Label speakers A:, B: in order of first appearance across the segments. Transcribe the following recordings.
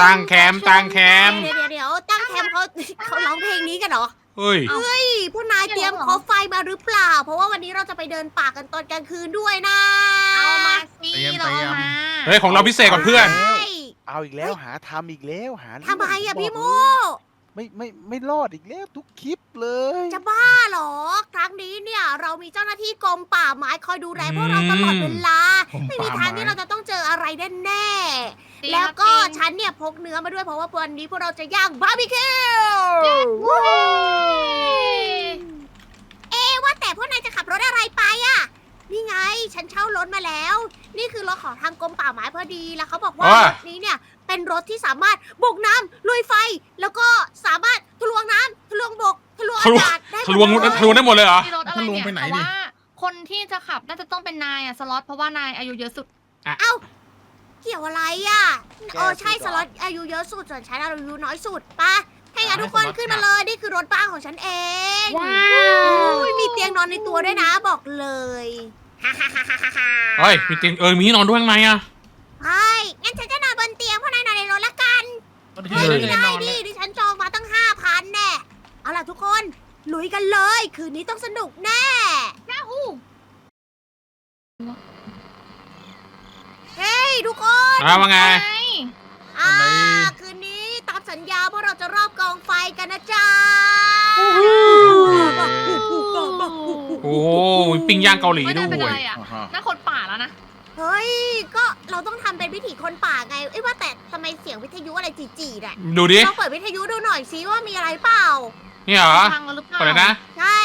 A: ตั้งแคมป์ตั้งแคมป์
B: เดี๋ยวตั้งแคมป์เขาร้องเพลงนี้กันเหรอ
A: เฮ้ย
B: เฮ้ยพวกนายเตรียมคอไฟมาหรือเปล่า เพราะว่าวันนี้เราจะไปเดินป่ากันตอนกลางคืนด้วยนะ
C: เอามาสิ
D: เตรียม
C: เราเอามา
A: เฮ้ยของเราพิเศษกว่าเพื่อน
B: ใช่
E: เอาอีกแล้วหาทำอีกแล้วหา
B: ทำไมอะพี่โม
E: ไม่รอดอีกแล้วทุกคลิปเลย
B: จะบ้าเหรอ ครั้งนี้เนี่ยเรามีเจ้าหน้าที่กรมป่าไม้คอยดูแลพวกเราตลอดเวลา ไม่มีทางที่เราจะต้องเจออะไรแน่ๆแล้วก็ฉันเนี่ยพกเนื้อมาด้วยเพราะว่าวันนี้พวกเราจะย่างบาร์บีคิวว่าแต่พวกนายจะขับรถอะไรไปอะนี่ไงฉันเช่ารถมาแล้ว นี่คือรถของทางกรมป่าไม้พอดีแล้วเขาบอกว่ารถนี้เนี่ยเป็นรถที่สามารถบุกน้ำลุยไฟ แล้วก็สามารถทะลวงน้ำทะลวงบกทะลวงอากาศได้หมด
A: ทะลวงได้หมดเลยเหรอ
C: มีรถอะไรเนี่ยแต่ว่าคนที่จะขับน่าจะต้องเป็นนายอะสล็อตเพราะว่านายอายุเยอะสุด
B: เอ้าเกี่ยวอะไรอ่ะใช่สล็อตอายุเยอะสุดส่วนฉันอายุน้อยสุดปะให้งั้นทุกคนขึ้นมาเลยนี่คือรถบ้านของฉันเอง
A: ว้าว
B: มีเตียงนอนในตัวด้วยนะบอกเลย
A: เฮ้ยมีเตียงมีที่นอนด้วยข้างในอะ
B: ใช่งั้นฉันจะนอนบนเตียงพวกนายนอนในรถละกัน
D: มัน
B: เฮ้ย
D: ที่
B: ไม่
D: ได้
B: ได้
D: นอน
B: ดิ
D: เลย
B: ดิฉันจองมาตั้ง 5,000แน่เอาล่ะทุกคนลุยกันเลยคืนนี้ต้องสนุกแน่
C: ยาฮู
B: เฮ้ยทุกคน
A: ว่าไง
B: อ่าคืนนี้ตามสัญญาพวกเราจะรอบกองไฟกันนะจ๊ะ
A: โอ้มีปิ้งย่างเกาหลี
C: ไม่
A: ด้
C: ได้เป็น
A: ว
C: อะ
A: ย
C: ไรอะน่าคนป่าแล้วนะ
B: เฮ้ยก็เราต้องทำเป็นวิถีคนป่าไงเอ้ยว่าแต่ทำไมเสียงวิทยุอะไรจีๆน่ะ
A: ดูดิ
B: ลองเปิดวิทยุดูหน่อยซิว่ามีอะไรเปล่า
A: นี่เหรอ
C: พังแล้วหรือเปล่า
A: เปิดเลยนะ
B: ใช่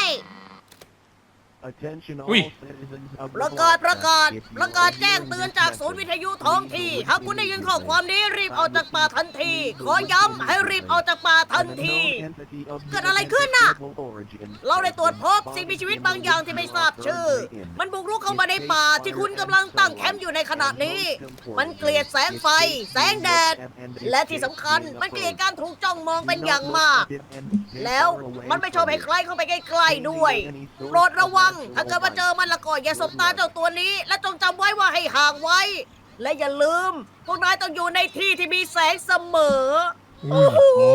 A: อุ้ย
B: ประกาศแจ้งเตือนจากศูนย์วิทยุท้องที่หากคุณได้ยินข้อความนี้รีบออกจากป่าทันที ขอย้ำให้รีบออกจากป่าทันที เกิดอะไรขึ้นน่ะ เราได้ตรวจพบสิ่งมีชีวิตบางอย่างที่ไม่ทราบชื่อ มันบุกรุกเข้ามาในป่าที่คุณกำลังตั้งแคมป์อยู่ในขณะนี้ มันเกลียดแสงไฟ แสงแดด และที่สำคัญมันเกลียดการถูกจ้องมองเป็นอย่างมาก แล้วมันไม่ชอบให้ใครเข้าไปใกล้ๆด้วยโปรดระวัง ถ้าเกิดว่าเจอมันละก็อย่าสบตาเจ้าตัวนี้ และจงจำไว้ว่าให้ห่างไว้ และอย่าลืม พวกนายต้องอยู่ในที่ที่มีแสงเสมอ โอ้โห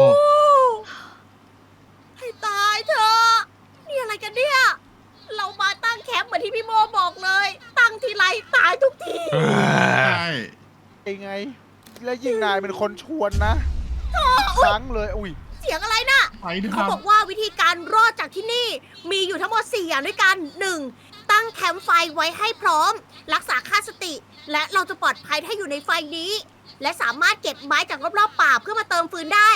B: ให้ตายเถอะนี่อะไรกันเนี่ย เรามาตั้งแคมป์เหมือนที่พี่โมบอกเลย ตั้งทีไรตายทุกที
D: ใช่
E: ยังไง แล้วยิ่งนายเป็นคนชวนนะครั้งเลยอุ้ย
B: เสียงอะไรน่ะ
D: ไปด้วยค
B: เขา
D: รับ
B: บอกว่าวิธีการรอดจากที่นี่มีอยู่ทั้งหมด 4 อย่างด้วยกัน 1. ตั้งแคมป์ไฟไว้ให้พร้อม รักษาค่าสติ และเราจะปลอดภัยถ้าอยู่ในไฟนี้ และสามารถเก็บไม้จากรอบๆป่าเพื่อมาเติมฟืนได้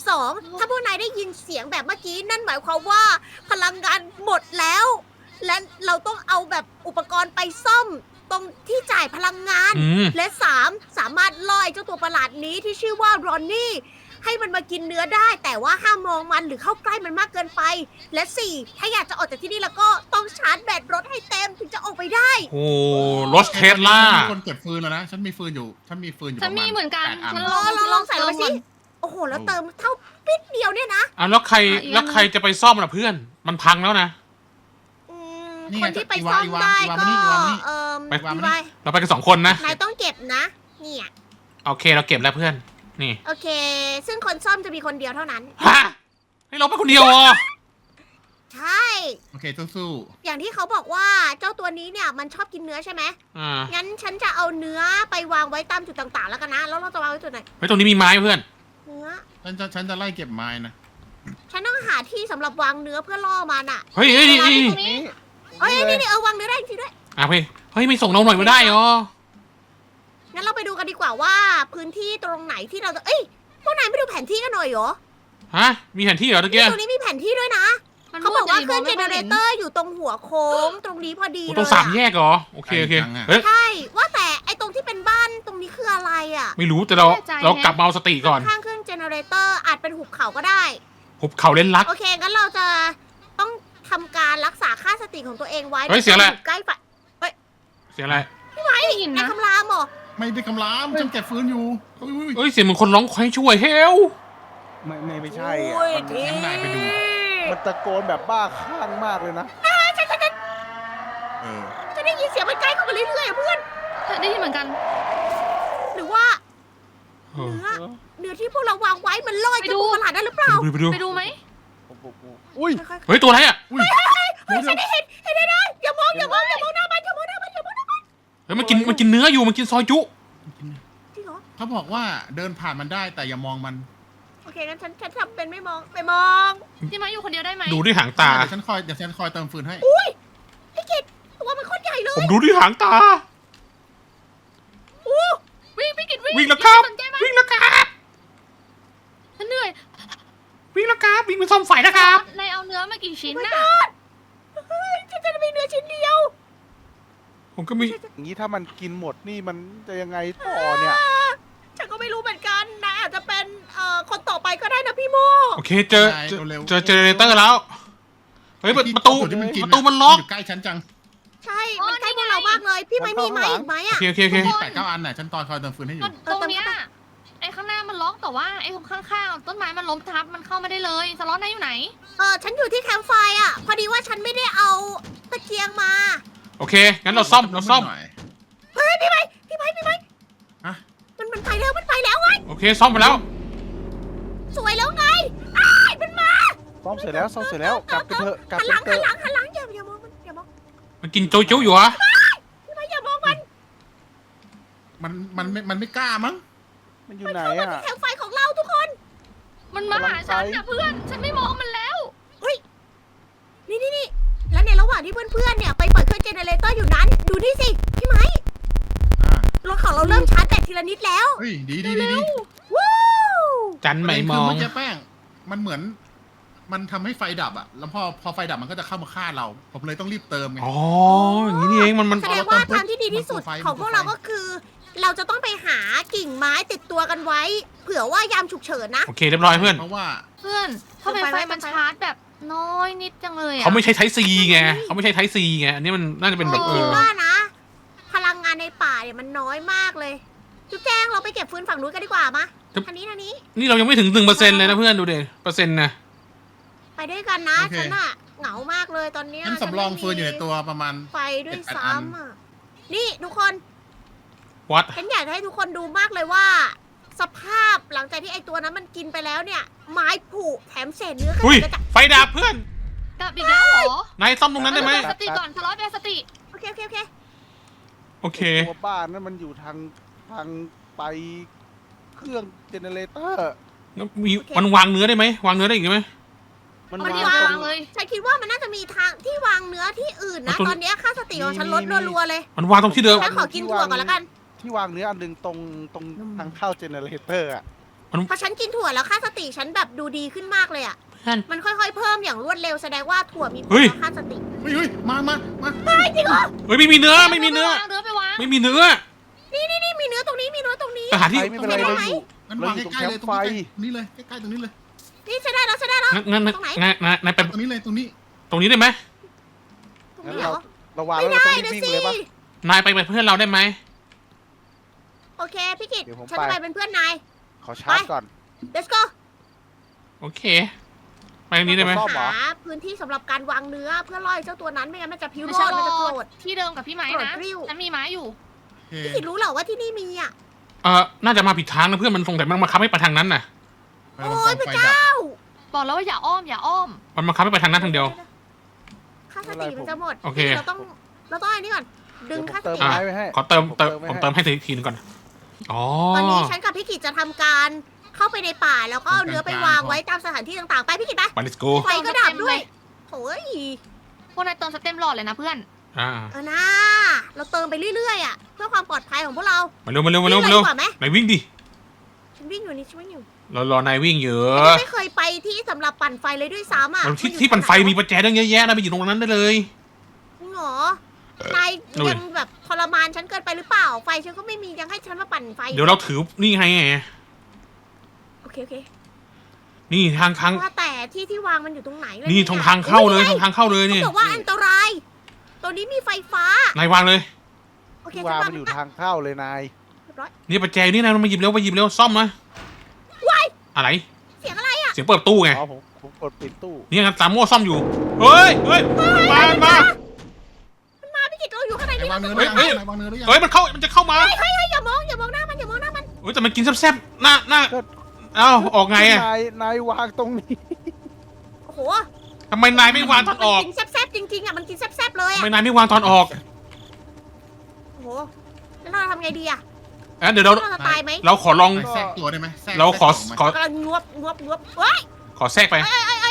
B: 2. ถ้าพวกนายได้ยินเสียงแบบเมื่อกี้นั่นหมายความว่าพลังงานหมดแล้ว และเราต้องเอาแบบอุปกรณ์ไปซ่อมตรงที่จ่ายพลังงาน และ 3. สามารถล่อเจ้าตัวประหลาดนี้ที่ชื่อว่ารอนนี่ให้มันมากินเนื้อได้ แต่ว่าห้ามมองมันหรือเข้าใกล้มันมากเกินไป และ 4. ถ้าอยากจะออกจากที่นี่แล้วก็ต้องชาร์จแบตรถให้เต็มถึงจะออกไปได้
A: โอ้รถเทสลา
D: มีคนเก็บฟืนแล้วนะฉันมีฟืนอยู่ฉันมีฟืนอยู่
C: ฉันมีเหมือนกัน
D: 8
C: ฉัน
B: ลองใส่ลงไปสิ โอ้โห แล้วเติมเท่าปิดเดียวเนี่ยนะ
A: แล้วใครจะไปซ่อมล่ะเพื่อน มันพังแล้วนะ
B: อืมคนที่ไปซ่อมได้ก็พี่ไว้
A: เราไปกัน2 คนนะ
B: นายต้องเก็บนะเนี่ย
A: โอเคเราเก็บแล้วเพื่อน นี่
B: โอเค ซึ่งคนซ่อมจะมีคนเดียวเท่านั้น
A: ฮะให้เราไปคนเดียวเหรอ
B: ใช่
D: โอเคสู้
B: อย่างที่เขาบอกว่าเจ้าตัวนี้เนี่ยมันชอบกินเนื้อใช่ไหม
A: า
B: งั้นฉันจะเอาเนื้อไปวางไว้ตามจุดต่างๆแล้วกันนะ แล้วเราจะวางไว้จุดไหน
A: เฮ้ยตรงนี้มีไม้เพื่อน
B: เนื้อ
D: ๆฉันจะไล่เก็บไม้นะ
B: ฉันต้องหาที่สำหรับวางเนื้อเพื่อล่อมันอ่ะ
A: เฮ้ยนี่
C: ตรงนี้
B: เอ้ยนี่วางเนื้อได้จริงๆด้วย
A: เฮ้ยไม่ส่งเราหน่อยไม่ได้เหรอ
B: งั้นเราไปดูกันดีกว่าว่าพื้นที่ตรงไหนที่เราจะเอ้ยพวกนายไม่ดูแผนที่กันหน่อยเหรอ
A: ฮะมีแผนที่เหรอตะเกีย
B: ตรงนี้มีแผนที่ด้วยนะ เขาบอกว่าเครื่องเจเนเรเตอร์อยู่ตรงหัวโค้งตรงนี้พอดี
A: โอ้
B: เลย
A: ตรง3 แยกเหรอโอเคเฮ้ย
B: ใช่ ว่าแต่ไอตรงที่เป็นบ้านตรงนี้คืออะไรอ่ะ
A: ไม่รู้แต่เรากลับมาเอาสติก่อน
B: ข้างเครื่องเจเนเรเตอร์อาจเป็นหุบเขาก็ได้
A: หุบเขาเล่นลัก
B: โอเค งั้นเราจะต้องทำการรักษาค่าสติของตัวเองไว้
A: เฮ้ยเสียงอะไร
B: ใกล้ไฟ
A: เสียงอะไร
C: ได้ยิน
B: ใน
C: นะ
B: คำรามเหรอ
D: ไม่ได้กำลามฉันเก็บฟืนอยู่อุ้ย
A: เฮ้ยเสียงเหมือนคนร้องขอให้ช่วยเฮล
E: ไม่ใช่อ่ะ
B: โอ้ย
E: มัน
B: ที
D: งั้นนายไปดู
E: มันตะโกนแบบบ้าคลั่งมากเลยนะ
B: จะได้ยินเสียงมันใกล้เข้ามาเรื่อยๆอะเพื่อน
C: ได้ยินเหมือนกัน
B: หรือว่า
A: ฮ
B: เนื้อที่พวกเราวางไว้มันลอยจะตัวประหลาดได้หรือเปล่า
A: ไปดู
C: ไปดูไหม
E: อุ้ย
B: ค่อยๆ
A: เฮ้ยตัวอะไรอ่ะ
B: เฮ้ยฉันได้เห็นได้อย่ามองหน้ามันอย่ามองหน้ามันอย่ามองหน้ามัน
A: เฮ้ยมันกินเนื้ออยู่มันกินซอยจุ
B: จริงเหรอ
D: เขาบอกว่าเดินผ่านมันได้แต่อย่ามองมัน
B: โอเคงั้นฉันทำเป็นไม่มองไปมอง
C: พี่ไม้อยู่คนเดียวได้ไหม
A: ดูที่หางตา
D: เดี๋ยวฉันคอยเติมฟืนให้
B: พี่กิตตัวมันโคตรใหญ่เล
A: ผม
B: ย
A: ดูที่หางตา
C: วิ่งพี่กิตวิ่ง
A: วิ่งแล้วครับ
C: สนใจไหม
A: วิ่งแล้วครับ
C: ฉันเหนื่อย
A: วิ่งแล้วครับวิ่งไปซ่อมไฟนะครับ
C: นายเอาเนื้อมากี่ชิ้น
B: ไม่
C: น่ะ
B: รอดเฮ้ยฉันจะมีเนื้อชิ้นเดียว
A: ผมก็มี
E: อย่างนี้ถ้ามันกินหมดนี่มันจะยังไงต่อเนี่ย
B: ฉันก็ไม่รู้เหมือนกันนะอาจจะเป็นคนต่อไปก็ได้นะพี่โม
A: โอเคเจอเจเนเรเตอร์แล้วเฮ้ยประตู
D: ที่มันกิน
A: ประตูมันล็อก
D: อยู่ใกล้ฉันจัง
B: ใช่มันใกล้พวกเรามากเลยพี่ไม่มีไม้อีกไหม
A: โอ
B: อ่ะ
A: เคโอเคโอเค
D: มี8-9 อันน่ะฉันคอยเติมฟืนให้อยู่
C: ตรงเนี้ยไอ้ข้างหน้ามันล็อกแต่ว่าไอ้ตรงข้างๆต้นไม้มันล้มทับมันเข้าไม่ได้เลยสล็อตนายอยู่ไหน
B: ฉันอยู่ที่แคมป์ไฟอ่ะพอดีว่าฉันไม่ได้เอาตะเกียงมา
A: โอเคงั้นเราซ่อม
D: หน่อย
B: เฮ้ยพี่ไม้
D: ฮะ
B: มันไปแล้วไง
A: โอเคซ่อมไปแล้ว
B: สวยแล้วไงอ้ายมันมา
E: ซ่อมเสร็จแล้วกลับไปเถอะกลับ
B: หัน
E: ไป
B: หลัง
E: เถ
B: หัน
E: อะ
B: หลังอย่ามองมันอย่ามอง
A: มันกินโจจุอยู่เหรอ
B: พี่ไม้อย่ามองมัน
D: มันไม่กล้ามั้ง
E: มันอยู่ไหน
B: เข้ามา
E: อ่ะ
B: ที่แคมป์ไฟของเราทุกคน
C: มันมาหาฉันนะเพื่อนฉันไม่มองมันแล้ว
B: นี่แล้วในระหว่างที่เพื่อนๆเนี่ยไปเปิดเครื่องเจเนเรเตอร์อยู่นั้นดูนี่สิพี่ไม้
D: อ่าร
B: ถของเราเริ่มชาร์จแบตทีละนิดแล้ว
D: เฮ้ยดี
B: วู้
A: จันไม่มอง
D: เมื่อกี้แป้งมันเหมือนมันทำให้ไฟดับอ่ะแล้วพอไฟดับมันก็จะเข้ามาฆ่าเราผมเลยต้องรีบเติมไง
A: อ๋ออย่างนี้นี่เองมัน
B: แสดงว่าทางที่ดีที่สุดของพวกเราก็คือ เราจะต้องไปหากิ่งไม้ติดตัวกันไว้ เผื่อว่ายามฉุกเฉินนะ
A: โอเคเรียบร้อยเพื่อน
D: เพราะว่า
C: เพื่อนทำไมไฟมันชาร์จแบบน้อยนิดจังเลยอะ
A: เขาไม่ใช่ไทซีไงเขาไม่ใช่ไทซีไงอันนี้มันน่าจะเป็นแบบ
B: คิด
C: เออ
B: ว่านะ พลังงานในป่าเนี่ยมันน้อยมากเลยจุ๊บแจงเราไปเก็บฟืนฝั่งนู้นกันดีกว่ามะทางนี้
A: นี่เรายังไม่ถึง1%เลยนะเพื่อนดูเด็เปอร์เซ็นต์นะ
B: ไปด้วยกันนะฉันอะเหงามากเลยตอนเนี้ย
D: ฉันสำรองฟืนอยู่ในตัวประมาณ
B: ไฟด้วยซ้ำอะนี่ทุกคน
A: วัด
B: ฉันอยากจะให้ทุกคนดูมากเลยว่า สภาพหลังจากที่ไอตัวนั้นมันกินไปแล้วเนี่ย ไม้ผุแถมเศษเนื้อก็
A: อุ้ย
B: จะ
A: ไฟดับเพื่อน
C: กลับอีกแล้วเหรอน
A: ายซ่อมตรงนั้นได้ไหม
C: สติก่อนสล็อตเป็นสติ
B: โอเค
A: โอเค
E: ตัวบ้านนั่นมันอยู่ทางไปเครื่องเจเนเรเตอร์
A: มีมันวางเนื้อได้ไหมวางเนื้อได้อีกไหม
E: มัน
C: เอา
E: วา
C: ดี
E: ง
C: วา
E: ตรง ง
C: เลย
B: ฉันคิดว่ามันน่าจะมีทางที่วางเนื้อที่อื่นนะ ตอนเนี้ยค่าสติของฉันลดรัวๆเลย
A: มันวางตรงที่เดิม
B: ฉันขอกินถั่วก่อนละกัน
E: ที่วางเนื้ออันหนึงตรงทางเข้าเจเนเรเตอร์อ่ะ
B: พอฉันกินถั่วแล้วค่าสติฉันแบบดูดีขึ้นมากเลยอ่ะ
A: เพื่อน
B: มันค่อยๆเพิ่มอย่างรวดเร็วแสดงว่าถั่วมีผล
A: เฮ้ย
B: ต่อค่าสติ
D: เฮ้ยมา
B: เฮ้ยจริงเหรอ
A: เฮ้ยไม่มีเนื้อไม่มีเนื้อ
C: เนื้อไปวาง
A: ไม่มีเนื้อ
B: นี่มีเนื้อตรงนี้มีเนื้อตรงนี้
A: ไปหาที่
E: ไฟไม่เป็นไรเราอยู่
D: งั้นวางใกล้ๆเลยตรงนี้เลยใกล้ๆตรงนี้เลย
B: นี่ฉันได้แล้ว
A: งั้น
B: ตรงไหน
A: นายไป
D: ตรงนี้เลยตรงนี้
A: ตรงนี้ได้ไหม
B: ตรง
E: งั้น
B: นี้เหรอ
E: เราวาง
B: ไม่
E: แล้วเรา
B: ได้
E: ต้องรี
B: นะ
E: บวิ่ง
B: สิ
E: เลยปะ
A: นายไปเป็นเพื่อนเราได้ไหม
B: โอเคพี่กิต
E: เดี๋ยวผม
B: ฉันจะ
E: ไป
B: ไปเป็นเพื่อนนาย
E: ขอชาร์จก่อน
B: let's go
A: โอเคไปตรงนี้ได้ไหม
E: ซ่อมเหรอ
B: หาพื้นที่สำหรับการวางเนื้อเพื่อล่อเจ้าตัวนั้นไม่งั้นมันจะพิว
C: ไม่
B: โร
C: ใช่
B: ดมันจะโกรธ
C: ที่เดิมกับพี่ไม้
B: โกรธ
C: นะ
B: กริ้ว
C: ฉันมีไม้อยู่
B: พี่กิตรู้เหรอว่าที่นี่มีอ่ะ
A: น่าจะมาผิดทางนะเพื่อนมันสงสัยมันมาคับให้ไปทางนั้นน่ะ
B: โอ้ยพระเจ้า
C: บอกแล้วว่าอย่าอ้อม
A: มันมาคับให้ไปทางนั้นทางเดียว
B: ค่าสติมันจะหมด
A: โอเค
B: เราต้องอันนี้ก่อนดึงค่าส
E: เติม
B: ติ
E: ไม้ไว้ให้
A: ขอเติม
E: ผม
A: ผมเติมให้ทีนึงก่อนอ๋อ
B: ตอนนี้ฉันกับพี่กิตจะทำการเข้าไปในป่าแล้วก็เอาเนื้อไปวางไว้ตามสถานที่ต่างๆไปพี่กิตไป
A: ไป let's go
B: ไฟก็ดับด้วยโอ้ย
C: พวกนายเติมสเต็มหลอดเลยนะเพื่อน
B: นะเราเติมไปเรื่อยๆอ่ะเพื่อความปลอดภัยของพวกเรา
A: มาเร็วมาเร็วมา
B: วิ่
A: เร็ว
B: ง
A: มา
B: เลย
A: เร็ว
B: ดีกว่าไหม
A: นายวิ่งดิ
B: ฉันวิ่งอยู่นี่ฉันวิ่งอยู่
A: รอนายวิ่งเยอะ
B: ฉันไม่เคยไปที่สำหรับปั่นไฟเลยด้วยซ้ำอ่ะ
A: ที่ปั่นไฟมีประแจตั้งเยอะแยะนะไปอยู่ตรงนั้นได้เลย
B: จริงเหรอนายยังแบบทรมานฉันเกินไปหรือเปล่าไฟฉันก็ไม่มียังให้ฉันมาปั่นไฟ
A: เดี๋ยวเราถือนี่ไง
B: โอเค
A: นี่ทาง
B: ว่าแต่ที่วางมันอยู่ตรงไหนเลย
A: นี่ตรงทางเข้าเลยตรงทางเข้าเลย
B: เขา
A: นี่
B: บอกว่าอันตรายตัวนี้มีไฟฟ้า
A: นายวางเลย
B: โอเค
E: ที่
B: ฉั
E: วาง
B: นวาง
E: มันอยู่ทางเข้าเลยนาย
B: เรียบร้อย
A: นี่ประแจนี่นะมาหยิบเร็วไปหยิบเร็วซ่อมนะ
B: ว้าย
A: อะไร
B: เสียงอะไร
A: เสียงเปิดตู้ไง
E: อ๋อผมกดปิดตู้
A: นี่กันตามโม่ซ่อมอยู่เฮ้ยมา
B: มันมาพี่กิตเราอยู่ข้างใน
D: ไหน
B: นี่
D: วาง
B: เรา
D: เนื้อ
B: ต้อง
D: หรือยังไหนวางเนื้อหรือยัง
A: มันจะเข้ามา
B: เฮ้ยอย่ามองหน้ามัน
A: โอ้ยแต่มันกินแซ่บๆหน้าเอ้าออกไงอะ
E: นายวางตรงนี้
B: โอ้โห
A: ทำไมนายไม่วางตอนออก
B: มันกินแซ่บๆจริงๆอ่ะมันกินแซ่บๆเลย
A: ทำ
B: อ่ะ
A: ไมนายไม่วางตอนออก
B: โอ้โหแล้วเราทำไงดีอ่ะ
A: เดี๋ยวเรา
B: เราจะตายไหม
A: เราขอลอง
D: แทรกตัวได้ไหมแทรก
A: เราขอ
D: แทรก
A: ขอ
B: กำลังงวบเฮ้ย
A: ขอแทรกไป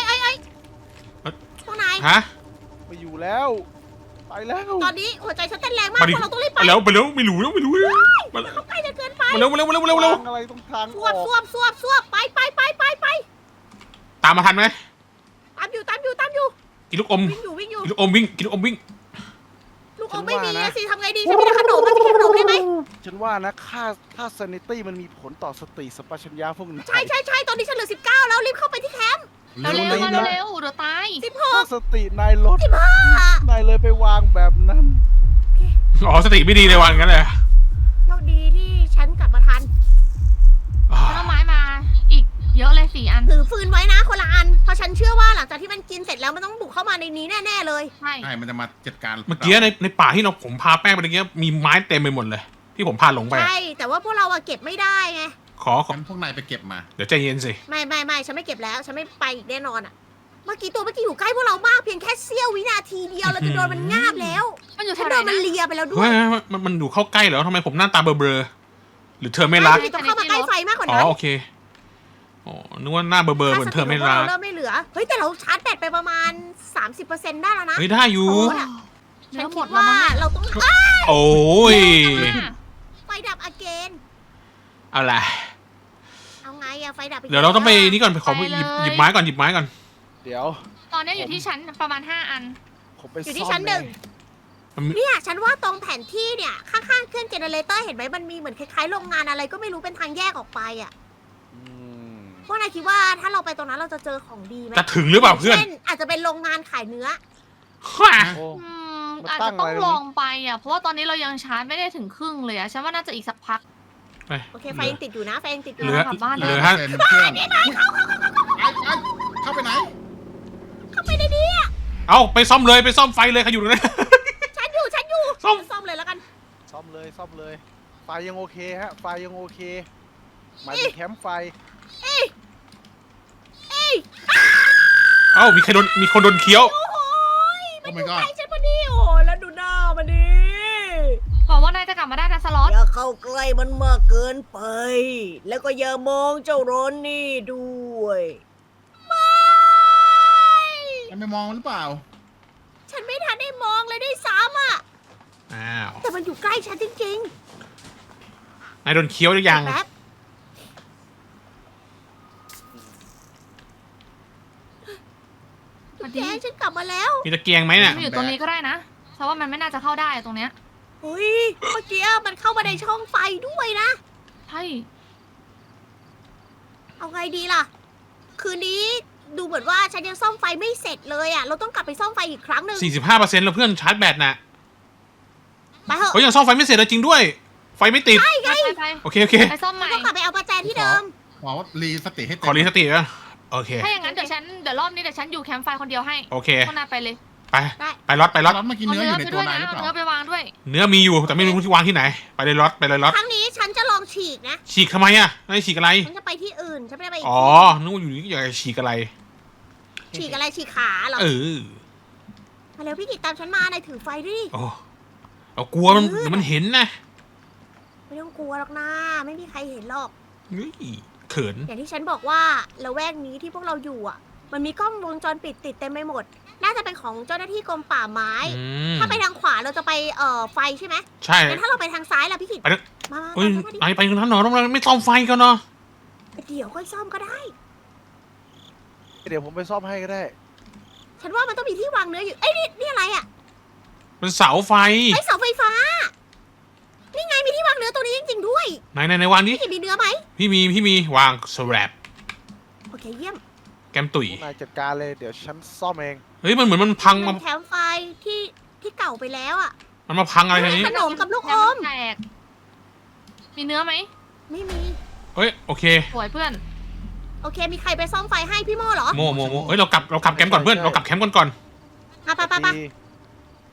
B: พวกนาย
A: ฮะ
E: ไปอยู่แล้วไปแล้ว
B: ตอนนี้หัวใจฉันเต้นแรงมาก
A: มาดิ
B: พวกเราต้องรีบไป
A: ไปแล้วไม่รู้มาแล้ว
B: เขาไปจะเกินไป
A: มาเร็ว
E: ทางอะไรตรงทาง
B: ส
E: อ
B: ว
E: อบ ก
B: สวบไป
A: ตามมาทันไหม
B: ตามอยู่
A: กินลูกอม
B: วิ่งอยู่
A: กินลูกอมวิ่งกินลูกอมวิ่ง
B: ลูกอมไม่มีนะสิทำไงดีฉันมีแต่ขนมมันจะกินขนมได้ไหม
E: ฉันว่านะค่า sanity มันมีผลต่อสติสัมปชัญญะพวกนาย
B: ใช่ตอนนี้ฉันเหลือ19แล้วรีบเข้าไปที่แคมป์
C: เร็วๆมาเร็วๆเดี๋ยวตาย
E: ถ้าสตินายลด
B: 15
E: นายเลยไปวางแบบนั้น
A: อ๋อสติไม่ดีเลยวันงั้นเลย
B: โชคดีที่ฉันกลับมาทัน
C: แล้วไม้มาอีกเยอะเลย4 อัน
B: ถือฟืนไว้นะคนละอันเพราะฉันเชื่อว่าหลังจากที่มันกินเสร็จแล้วมันต้องบุกเข้ามาในนี้แน่ๆเลย
C: ใช่
D: ใช่มันจะมาจัดการ
A: เมื่อกี้ในป่าที่ผมพาแป้งไปเมื่อกี้มีไม้เต็มไปหมดเลย ที่ผมพาหลงไป
B: ใช่แต่ว่าพวกเราอะเก็บไม่ได้ไง
A: ขอ
D: งั้นพวกนายไปเก็บมา
A: เดี๋ยวใจเย็นสิ
B: ไม่ฉันไม่เก็บแล้วฉันไม่ไปอีกแน่นอนอะเมื่อกี้อยู่ใกล้พวกเรามากเพียงแค่เสี้ยววินาทีเดียวเราจะโดนมันงาบแล้ว
C: มันอยู่
B: ฉั
C: แถ
B: น
C: วไหน
B: โดนมัน
C: นะ
B: เลียไปแล้วด้ว
A: เฮ้
B: ย
A: ยมันอยู่เข้าใกล้แล้วทำไมผมหน้าตาเบลอๆหรือเธอไม่รัก
B: ต้องเข้ามาใกล้ไฟมากกว่า
A: อ๋อ
B: นั้น
A: โอเคอ๋อนึกว่าหน้าเบลอๆเหมือนเธอไม่รัก
B: เริ่มไม่เหลือเฮ้ยแต่เราชาร์จแบตไปประมาณ 30%ได้แล้วนะ
A: เฮ้ยได้อยู่
B: โอ้ย
C: เนื้
B: ฉั
C: อน หม
B: คิ
C: ด
B: ด
C: แล้ว
B: ว่า
C: มั้ง
B: เราต้อง
A: โอ้ย
B: ไฟดับอเกน
A: เอาล่ะ
B: เอาไงอะไฟดับ
A: เดี๋ยวเราต้องไปนี่ก่อนไปขอหยิบไม้ก่อน
E: เดี๋ยว
C: ตอนนี้อยู่ที่ชั้นประมาณ5 อัน
E: ผมไป
B: อยู่
E: ซ่
B: ที่
E: อม
B: ชั้นหนึ่ง
A: มันมี
B: เนี่ยฉันว่าตรงแผนที่เนี่ยข้างๆเครื่องเจเนเรเตอร์เห็นไหมมันมีเหมือนคล้ายๆโรงงานอะไรก็ไม่รู้เป็นทางแยกออกไปอะ
E: อืม
B: พวกนายคิดว่าถ้าเราไปตรงนั้นเราจะเจอของดีไหม
A: จะถึงหรือเปล่าเพื่อน
B: ช่นอาจจะเป็นโรงงานขายเนื้อ
E: โอ้ มัน
C: อาจ
E: ตั้
C: จะ
E: ง
C: ต้อ
E: อะไร
C: ง
E: ตรงนี้
C: ลองไปอ่ะ เพราะว่าตอนนี้เรายังชาร์จไม่ได้ถึงครึ่งเลยอ่ะ ฉันว่าน่าจะอีกสักพัก
B: โอเคไฟยังติดอยู่นะไฟยังติดอยู่
A: เหลือ
C: กลับบ้าน
A: เห
C: ได้
A: ลือ
D: 5%เครื่องเข้าไปไหน
B: เข้าไปในนี้อะ
A: เอาไปซ่อมเลยไปซ่อมไฟเลยใครอยู่ตรงนั้น
B: ฉันอยู่
A: ซ่อม
B: ซ่อมเลยแล้วกัน
E: ซ่อมเลยไฟยังโอเคฮะไฟยังโอเคหมายถึงแคมป์ไฟ
A: เอ้ามีคนโดนเคี้ยว
B: โอ้โห
D: โอ้ my god
B: ใช่ฉันพอดีโอ้แล้วดูหน้ามันดิ
C: บอกว่านายจะกลับมาได้นะสล็อต
B: อย่าเข้าใกล้มันมากเกินไป แล้วก็อย่ามองเจ้าโรนนี่ด้วยไม่
D: มันไม่มองหรือเปล่า
B: ฉันไม่ทันได้มองเลยด้วยซ้ำอ่ะ
A: อ้าว
B: แต่มันอยู่ใกล้ฉันจริง
A: นายโดนเคี้ยวหรือ
B: ๆ
A: ยัง
B: แป๊บแกฉันกลับมาแล้ว
A: มีตะเกียงไหมเนี่ย
C: มันอยู่ตรงนี้ก็ได้นะเพราะว่ามันไม่น่าจะเข้าได้ตรงเนี้ย
B: เฮ้ยเมื่อกี้มันเข้ามาในช่องไฟด้วยนะ
C: ใช่
B: เอาไงดีล่ะ คืนนี้ดูเหมือนว่าฉันยังซ่อมไฟไม่เสร็จเลยอ่ะ เราต้องกลับไปซ่อมไฟอีกครั้งหนึ่ง
A: 45%แล้วเพื่อนชาร์จแบตน่ะ
B: ไปเถอะ
A: เฮ้ยยังซ่อมไฟไม่เสร็จเลยจริงด้วย ไฟไม่ติด
C: ไป
A: โอเค
C: ไปซ่อมใหม่
B: ต้องกลับไปเอาประแจที่เดิม
D: ขอรีสติให้
A: ข
D: เต็
A: อ
D: ม
A: รีสติก่อนโอเค
C: ถ้าอย่างนั้นเดี๋ยวรอบนี้เดี๋ยวฉันอยู่แคมป์ไฟคนเดียวให้
A: โอเค
C: พวกนายไปเลย
A: ไป
B: ได้
A: ไปล็อต
D: ร้อนเมื่อกี้
C: เอา
D: เนื้อ
C: เนื้
D: อ
C: อยู่
D: ใน
C: ไป
D: ตั
C: ด้
D: ว
C: วย
D: นาย
C: นะ
D: หรือ
C: เอา
D: เปล่า
C: เนื้อไปวางด้วย
A: เนื้อมีอยู่แต่ไม่รู้ที่วางที่ไหน ไปเลยล็อตไปเลยล็อต
B: ครั้งนี้ฉันจะลองฉีกนะ
A: ฉีกทำไมอ่ะนายฉีกอะไร
B: ฉันจะไปที่อื่น ฉันไม่ได้ไปอีก
A: อ๋อ
B: ที่
A: นึกว่าอยู่นี่อยากจะฉีกอะไร
B: ฉีกอะไรฉีกขาเหรอ
A: เออ
B: มาเร็วพี่กิตตามฉันมานายถือไฟด้วยดิ
A: โอ้เอากลัวมันเดี๋ยวมันเห็นนะ
B: ไม่ต้องกลัวหรอกนะไม่มีใครเห็นหรอก
A: เฮ้ยเขิน
B: อย่างที่ฉันบอกว่าละแวกนี้ที่พวกเราอยู่อ่ะ มันมีกล้องวงจรปิดติดเต็มไปหมด น่าจะเป็นของเจ้าหน้าที่กรมป่าไม้
A: อืม
B: ถ้าไปทางขวาเราจะไปไฟใช่ไหม
A: ใช่
B: งั้นถ้าเราไปทางซ้ายล่ะพี่กิต
A: ไปเถอะ
B: มา
A: เฮ้ย
B: ตามฉันมาดิ
A: นายไปตรงนั้นเหรอต้องไม่ซ่อมไฟกันเนาะ
B: เดี๋ยวค่อยซ่อมก็ได้
E: เดี๋ยวผมไปซ่อมให้ก็ได้
B: ฉันว่ามันต้องมีที่วางเนื้ออยู่ เอ้ยนี่อะไรอ่ะ
A: เป็นเสาไฟ
B: ไอ้เสาไฟฟ้า นี่ไงมีที่วางเนื้อตัวนี้จริงๆด้วย
A: ไหนวางนี้
B: พี่กิตมีเนื้อไหม
A: พี่มีวางสแลบ
B: โอเคเยี่ยม
A: แกมตุ๋ย
E: พวกนายจัดการเลยเดี๋ยวฉันซ่อมเอง
A: เฮ้ยมันเหมือนมันพัง
B: มั
A: มาน
B: แคมป์ไฟที่เก่าไปแล้วอ่ะ
A: มันมาพังอะไรทีนี้
B: ขนมกับลูกอม
C: แตกมีเนื้อไหม
B: ไม่มี
A: เฮ้ยโอเค
C: สวยเพื่อน
B: โอเค มีใครไปซ่อมไฟให้พี่โม่เหรอ
A: โมเฮ้ยเรากลับแคมป์ก่อนเพื่อนเรากลับแคมป์ก่อน
B: ไป
E: ดี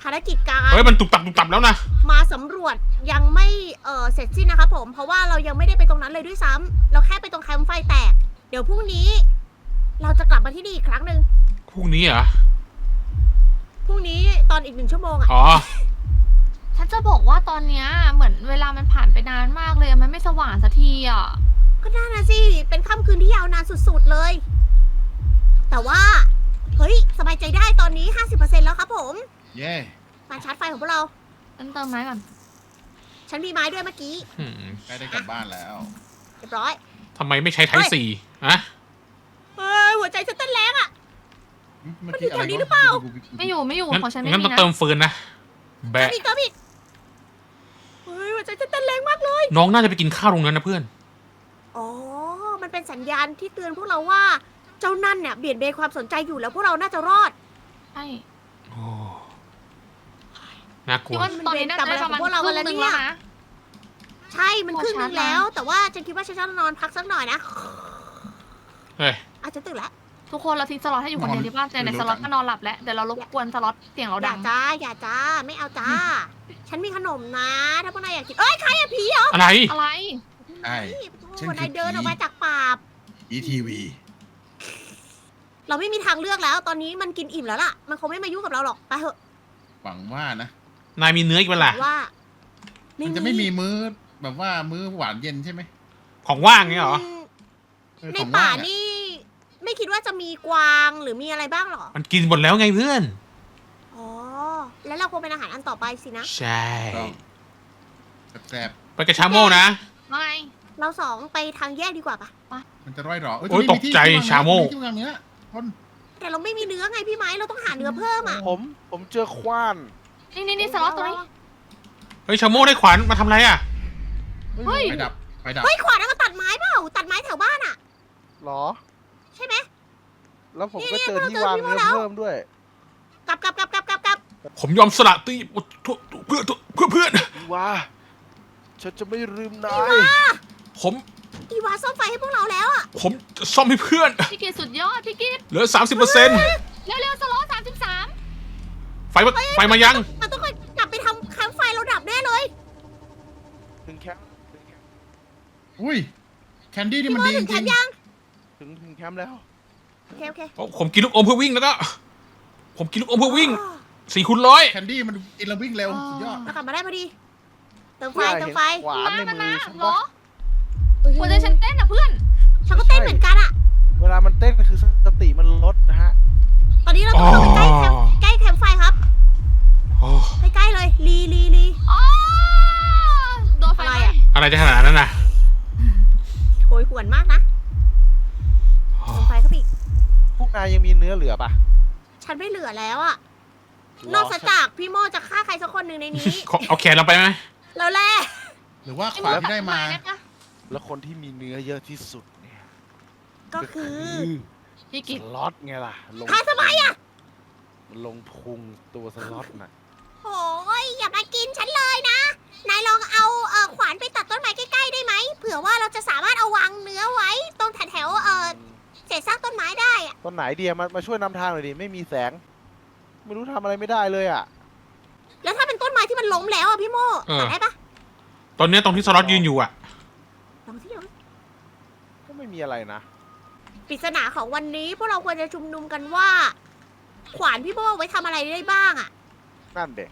B: ภารกิจการ
A: เฮ้ยมันตุบตับแล้วนะ
B: มาสำรวจยังไม่เสร็จสิ้นนะครับผมเพราะว่าเรายังไม่ได้ไปตรงนั้นเลยด้วยซ้ำเราแค่ไปตรงแคมป์ไฟแตกเดี๋ยวพรุ่งนี้ เราจะกลับมาที่นี่อีกครั้งหนึ่ง
A: พรุ่งนี้เหรอ
B: พรุ่งนี้ตอนอีก1 ชั่วโมงอะ
A: อ๋อ
C: ฉันจะบอกว่าตอนเนี้ยเหมือนเวลามันผ่านไปนานมากเลยมันไม่สว่างสักทีอ่ะ
B: ก็น่านะสิเป็นค่ำคืนที่ยาวนานสุดๆเลย แต่ว่าเฮ้ยสบายใจได้ตอนนี้ 50% แล้วครับผม
D: เย่
B: การชาร์จไฟของพวกเรา
C: ฉันเติมไม้ก่อน
B: ฉันมีไม้ด้วยเมื่อกี้
A: อืม
D: ใกล้ได้กลับบ้านแล้ว
B: เรียบร้อย
A: ทำไมไม่ใช้ไทป์สี่ฮะ
B: เฮ้ยหัวใจฉันเต้นแรงอะ
D: เมื่อกี้อะไร
B: มันอยู่แถวนี้หรือเปล่า
C: ไม่อยู่
A: งั้น
C: ของฉันไม่
A: งั้น
C: มี
A: ต้อง
C: นะ
A: เติมฟืนนะ แบะ
B: อีกเฮ้ยหัวใจฉันเต้นแรงมากเลย
A: น้องน่าจะไปกินข้าวตรงนั้นนะเพื่อน
B: อ๋อมันเป็นสัญญาณที่เตือนพวกเราว่า เจ้านั่นเนี่ยเบี่ยงเบนความสนใจอยู่แล้วพวกเราน่าจะรอด
C: ใช่
A: โอ้น่ากลั
C: คิด
A: ว
C: ว่าตอนนี้น่าจะได้ประมาณ
B: พวกเรา
C: ครึ่
B: วันละ
C: งหนึง
B: เนี่
C: แล้
B: ย
C: วนะ
B: ใช่มันครึ่งนึงแล้ว แต่ว่าฉันคิดว่าฉันจะนอนพักสักหน่อยนะ
A: เฮ้ย
B: อาจจะตื่นแล้ว
C: ทุกคนเราทิ้งสล็อตให้อยู่คนเดียวที่บ้านแต่ในสล็อตก็นอนหลับแล้วเดี๋ยวเรารบกวนสล็อตเสียงเรา
B: อ
C: ดั
B: ย่าง จ้าอย่าจ้าไม่เอาจ้า ฉันมีขนมนะ ถ้าพวกนายอยากกินเอ้ยใครอะผีเหรอ
A: อะไร
C: อะไร
D: ใช่
B: โอ้นายเดินออกมาจากป่า
D: ETV
B: เราไม่มีทางเลือกแล้ว ตอนนี้มันกินอิ่มแล้วล่ะ มันคงไม่มายุ่งกับเราหรอกไปเถอะ
D: หวังว่านะ
A: นายมีเนื้ออีกเปล่าล่ะ
B: ว่า
D: มันจะไม่มีมื้อแบบว่ามื้อหวานเย็นใช่ไหม
A: ของว่างเงี้ยเหรอ
B: ใน
D: ของ
B: ป่า
D: ว่งอะ
B: นี่ ไม่คิดว่าจะมีกวางหรือมีอะไรบ้างหรอ
A: มันกินหมดแล้วไงเพื่อน
B: อ๋อ แล้วเราคงเป็นอาหารอันต่อไปสินะ
A: ใช่
D: แซ่บ
A: ไปกระชาโมนะ
C: ไม่
B: เราสองไปทางแยกดีกว่าปะ
D: ๆมันจะร่อยหรอ
A: โอ้ยตกใจชาโม่
D: ที่วางเนื้อคน
B: แต่เราไม่มีเนื้อไงพี่ไม้ เราต้องหาเนื้อเพิ่มอ่ะ
E: ผมเจอขว้าน
C: นี่สล็อตตัวนี้
A: เฮ้ยชาโมได้ขวานมาทำอะไรอ่ะ
C: เฮ้ย
D: ไฟดับ
B: เฮ้ยขวานเอามาตัดไม้เปล่า ตัดไม้แถวบ้านอ่ะ
E: เหรอ
B: ใช่ไหม
E: แล้วผม
B: นี่
E: ก็
B: นี่
E: เจอที่
B: เราเจอ
E: วาง
B: ที่
E: เนื้อ
B: แล้ว
E: เพิ่มด้วย
B: กลับ
A: ผมยอมสละตีเพื่อน
E: อีวาฉันจะไม่ลืมนา
B: อี
E: ยว
B: า
A: ผม
B: อีวาซ่อมไฟให้พวกเราแล้วอ่ะ
A: ผมจะซ่อมให้เพื่อน
C: พี่กิตสุดยอดพี่กิต
A: เหลือ 30%
C: เร็วๆสล็อต33
A: ไฟมายัง
B: มันต้องกลับไปทำแคมป์ไฟเราดับแน่เลย
E: ถึงแคมป์
D: อุ้ยแคนดี้นี่
B: พี่
D: มัน
B: โม
D: ดีจ
B: ถึงแค
D: ริ
B: ม
D: ง
B: ป์ยัง
E: ถึงแคมป์แล้ว
B: โอเค
A: ผมกินลูกอมเพื่อวิ่งแล้วก็ ผมกินลูกอมเพื่อวิ่ง
B: อ๋อ
A: 4คูณร้อย
D: ๆแคนดี้มันอินเราวิ่งเร็วสุดยอด
B: เรากลับมาได้พอดี เติมไฟ
E: ว่า
B: เติ
E: เห็
B: ม
E: น
B: ไฟ
E: ขวานใน
C: มัน
E: มื
C: นะ
E: อฉัน
C: เหรอ
E: ปะ
C: หัวใจฉันเต้นอ่ะเพื่อน
B: ฉันก็เต้นเหมือนกันอ่ะ
E: เวลามันเต้นคือสติมันลดนะฮะ
B: ตอนนี้เราต้องเข้าไปใกล้แคมป์ไฟครับ
A: โอ้
B: ใกล้ๆเลยลี
C: อ๋อโดนไฟ
B: อะไร
C: ไหม้
B: อะ
A: อะไรจะขนาดนั้นน่ะ
B: โหยหวนมากนะเติมไฟเข้าไปอีก
E: พวกนายยังมีเนื้อเหลือปะ
B: ฉันไม่เหลือแล้วอ่ะ นอกจากพี่โมจะฆ่าใครสักคนหนึ่งในนี้
A: เอาแขนเราไปไหม
B: แล้วแหละ
D: หรือว่าขวานที่ได้มา
C: ด้ปะ
E: แล้วคนที่มีเนื้อเยอะที่สุดเนี่ย
B: ก็คือ
C: พี่
E: ส
C: กิต
E: ล็อตไงล่ะลง
B: ฆ่าทำไมอ่ะ
E: มันลงพุงตัวสล็อตน่ะ
B: โอ้ยอย่ามากินฉันเลยนะ นายลองเอาขวานไปตัดต้นไม้ใกล้ๆได้ไหม เผื่อว่าเราจะสามารถเอาวางเนื้อไว้ตรงแถวเศษซากต้นไม้ได้อะ
E: ต้นไหนเดียมาช่วยนำทางหน่อยดิไม่มีแสง ไม่รู้ทำอะไรไม่ได้เลยอ่ะ
B: แล้วถ้าเป็นต้นไม้ที่มันล้มแล้วอ่ะพี่โมตัดได้ปะ
A: ตอนเนี้ยตรงที่สล็อตยืนอยู่อ่ะ
B: ลองที่ลอง
E: ก็ไม่มีอะไรนะ
B: ปริศนาของวันนี้พวกเราควรจะชุมนุมกันว่า ขวานพี่โมไว้ทำอะไรได้บ้างอ่ะ
E: นั่นเด็ก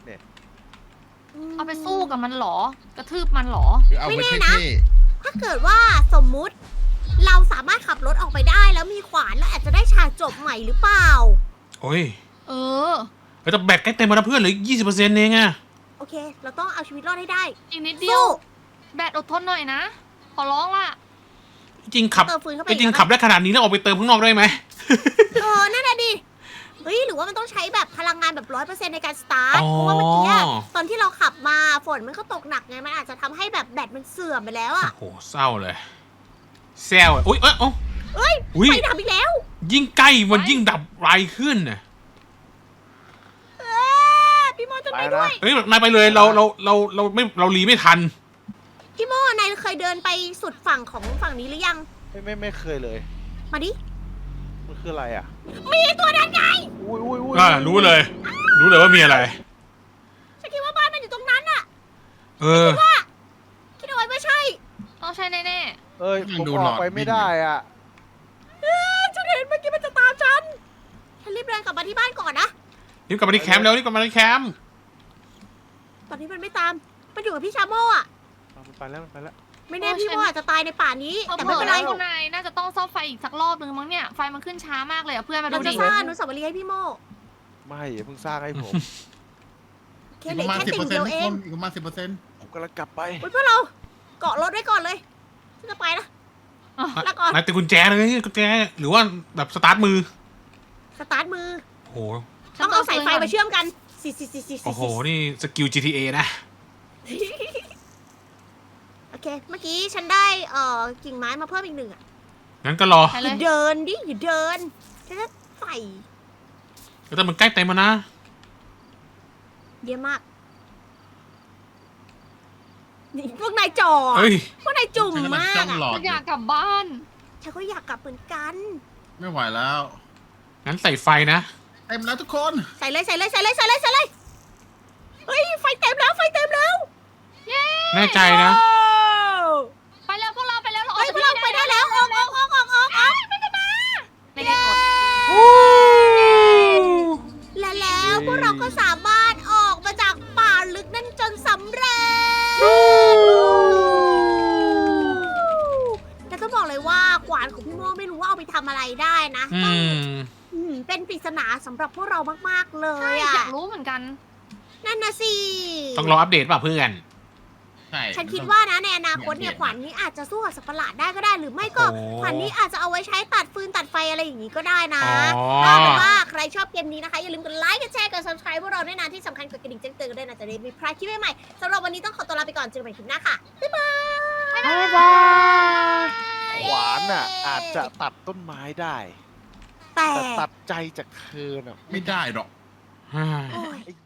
C: เอาไปสู้กับมันเหรอ กระทืบมันเหรอ
D: หรือเอาไว้
B: ไม่แน่
D: เท่
B: นะ ถ้าเกิดว่าสมมุติ เราสามารถขับรถออกไปได้ แล้วมีขวานแล้วอาจจะได้ฉากจบใหม่หรือเปล่า
A: โอ้ย
C: เออ
A: แต่แบตใกล้เต็มแล้วนะเพื่อนเหลือ20%เองอะ
B: โอเค เราต้องเอาชีวิตรอดให้ได้
C: อีกนิดเดียว
B: สู้
C: แบตอดทนหน่อยนะ ขอร้องล่ะ
A: จริงขับ
B: เติมฟืนเข้าไป
A: จริงขับได้ขนาดนี้แล้วออกไปเติมข้างนอกได้ไหม
B: นั่นแหละดิ เฮ้ย หรือว่ามันต้องใช้แบบพลังงานแบบ100%ในการสตาร์ท เพราะว่าเมื่อกี้อะตอนที่เราขับมาฝนมันก็ตกหนักไง มันอาจจะทำให้แบบแบตมันเสื่อมไปแล้วอะ
A: โอ้โหเศร้าเลยแซวอะอุ้ยเอ้า
B: เอ้ย
A: อุ้ย
B: ไฟดับอีกแล้ว
A: ยิ่งใกล้มันยิ่งดับไวขึ้นน่ะ
B: พี่โมจะ
E: ไป
B: ไป
E: นะ
B: ด้วย
A: เฮ้ยนายไปเลยเรารีไม่ทัน
B: พี่โมนายเคยเดินไปสุดฝั่งของฝั่งนี้หรือยัง
E: ไม่เคยเลย
B: มาดิ
E: มันคืออะไรอ่ะ
B: มีตัวนั้นไง
E: อุ้ย
A: รู้เลยว่ามีอะไร
B: คิดเอาไว้ไม่ใช่
C: ต้องใช่แน่
E: เอ้ย
D: ยัง
E: ผม
D: ดู
E: อ
D: หล
E: อ
D: อก ด
E: ไป
D: วิ่
E: ไม่
D: ง
E: ได้อ่ะ
B: ฉันเห็นเมื่อกี้มันจะตามฉันรีบเดินกลับมาที่บ้านก่อนนะ
A: รีบกลับมาที่แคมป์แล้วรีบกลับมาที่แคมป์
B: ตอนนี้มันไม่ตาม มันอยู่กับพี่ชาโม่อะ
E: มันไปแล้วมันไปแล้ว
B: ไม่แน่พี่โม่อาจจะตายในป่านี้
C: ๆ
B: แต่
C: เผล
B: ไม่
C: อ
B: เป็น
C: ๆ
B: ไร
C: แล้วคุณนายน่าจะต้องซ่อมไฟอีกสักรอบนึงมั้งเนี่ยไฟมันขึ้นช้ามากเลยอะเพื่อนมาดู
B: เราจะ
C: ดิ
B: สร้างอนุสาวรีย์ให้พี่โม่
E: ไม่อย่าเพิ่งสร้างให้ผม
B: แค่
D: อีก
B: เห
D: ป
B: ลือ
D: ระมาณ
B: แค่
D: 10%
B: ติ่ง
D: ทุก
B: เดียว
D: ค
B: เอง
D: นอีกประมาณ10%
E: ผมกำลังกลับไป
B: อุ๊ยพวกเราเกาะรถไว้ก่อนเลยฉันจะไปนะลาก่อน
A: นายติดกุญแจเลยกุญแจหรือว่าแบบสตาร์ทมือ
B: สตาร์ทมือ
A: โอ้โห
B: ต้องเอาสายไฟมาเชื่อมกันสิ
A: โอ้โหนี่สกิล GTA นะ
B: โอเค เมื่อกี้ฉันได้กิ่งไม้มาเพิ่มอีกหนึ่งอ่ะ
A: งั้นก็รอ
C: ไป
B: อ
C: เลย
B: ย่าเดินดิอย่าเดินฉันจะใส่
A: แต่มันใกล้เต็มแล้วนะ
B: เยอะมากนี่พวกนายจ่อ
A: เฮ้ย
B: พวกนายจุ่ม
D: ฉันกำลัง
B: มา
D: จ้
B: ก
D: อง
B: อะ
D: หลอด
C: อยากกลับบ้าน
B: ฉันก็อยากกลับเหมือนกัน
D: ไม่ไหวแล้ว
A: งั้นใส่ไฟนะ
D: เต็มแล้วทุกคน
B: ใส่เลยใส่เลยใส่เลยใส่เลยใส่เลยเฮ้ยไฟเต็มแล้วไฟเต็มแล้ว
C: เย้
A: แน่ใจนะ
C: ไปแล้วพวกเราไปแล้วเราออ
B: เฮ้
C: ก
B: ย
C: จาก
B: พวกเรา
C: ที่
B: ไป
C: นี่
B: ได้แล้วออกออกออกออกออกออก
C: ไม่ได้กด
B: และแล้วพวกเราก็สามารถออกมาจากป่าลึกนั่นจนสำเร็จแต่ต้องบอกเลยว่าขวานของพี่โม่ไม่รู้ว่าเอาไปทำอะไรได้นะ
A: อื
B: ต้อง
A: ม
B: เป็นปริศนาสำหรับพวกเรามากๆเล
C: ใช่
B: ย
C: อ
B: อ่ะ
C: ยากรู้เหมือนกัน
B: นั่นนะสิ
A: ต้องรออัปเดตป่ะเพื่อน
D: ใช่
B: ฉันคิดว่านะในอนาคตเนี่ยขวานนี้อาจจะสู้กับสัตว์ประหลาดได้ก็ได้ หรือไม่ก็
A: โอ้
B: ขวานนี้อาจจะเอาไว้ใช้ตัดฟืนตัดไฟอะไรอย่างนี้ก็ได้นะ
A: อ๋อ
B: ถ้าเป็นว่าใครชอบเกมนี้นะคะ อย่าลืมกดไลค์กดแชร์กด subscribe พวกเราด้วยนะที่สำคัญกดกระดิ่งแจ้งเตือนกันด้วยนะจะได้ไม่พลาดคลิปใหม่ๆสำหรับวันนี้ต้องขอตัวลาไปก่อนเจอกันใหม่คลิปหน้าค่ะบ๊ายบาย
A: บ๊ายบาย
E: ขวานอ่ะ อาจจะตัดต้นไม้ได้
B: แต่
E: แต่ตัดใจจากเธอน่ะ
D: ไม่ได้หรอก
B: โอ้ย
E: ไอ้